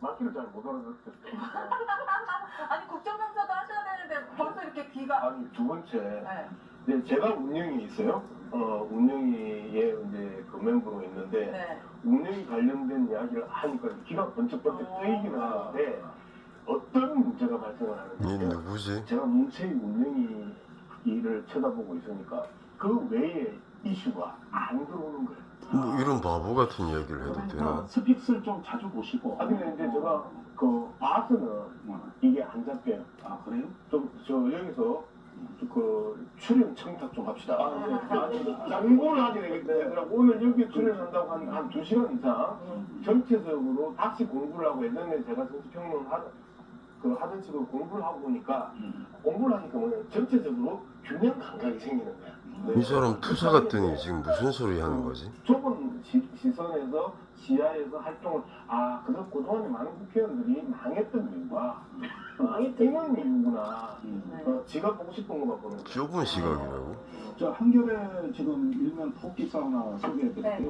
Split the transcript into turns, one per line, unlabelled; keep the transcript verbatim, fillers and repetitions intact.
말귀를 잘 못 알아듣겠어요.
아니 국정감사도 하셔야 되는데 벌써 이렇게 귀가.
아니 두 번째,
네.
이제 제가 운영이 있어요. 어 운영위에 이제 그 멤버로 있는데
네.
운영이 관련된 이야기를 하니까 귀가 번쩍번쩍 뜨이기는 하는데 어떤 문제가 발생을
얘
하는지
누구지?
제가 문체위 운영위 일을 쳐다보고 있으니까 그 외에 이슈가 안 들어오는 거예요.
뭐 이런 바보 같은 이야기를 해도
그러니까
되나?
스픽스를 좀 자주 보시고.
아 근데 이제 제가 그 봐서는 이게 안 잡혀요.
아 그래요?
좀 저 여기서 그 출연 청탁 좀 합시다. 장고를 하게 되더라고. 오늘 여기 출연한다고 한 한 두 시간 이상 전체적으로 다시 공부를 하고 예전에 제가 정치평론 하, 그 하던 식으로 공부를 하고 보니까
음.
공부를 하니까 뭐냐 전체적으로 균형 감각이 생기는 거야.
이 사람 투사 같더니 지금 무슨 소리 하는 거지?
좁은 시, 시선에서 지하에서 활동을 아 그래서 그동안에 많은 국회의원들이 망했던 이유가 아, 이런 이유구나.
음.
어, 지가 보고 싶은 것만 보는 거야.
좁은 시각이라고?
저 한겨레 지금 일면 토끼 사우나 소개해드릴게요.
네.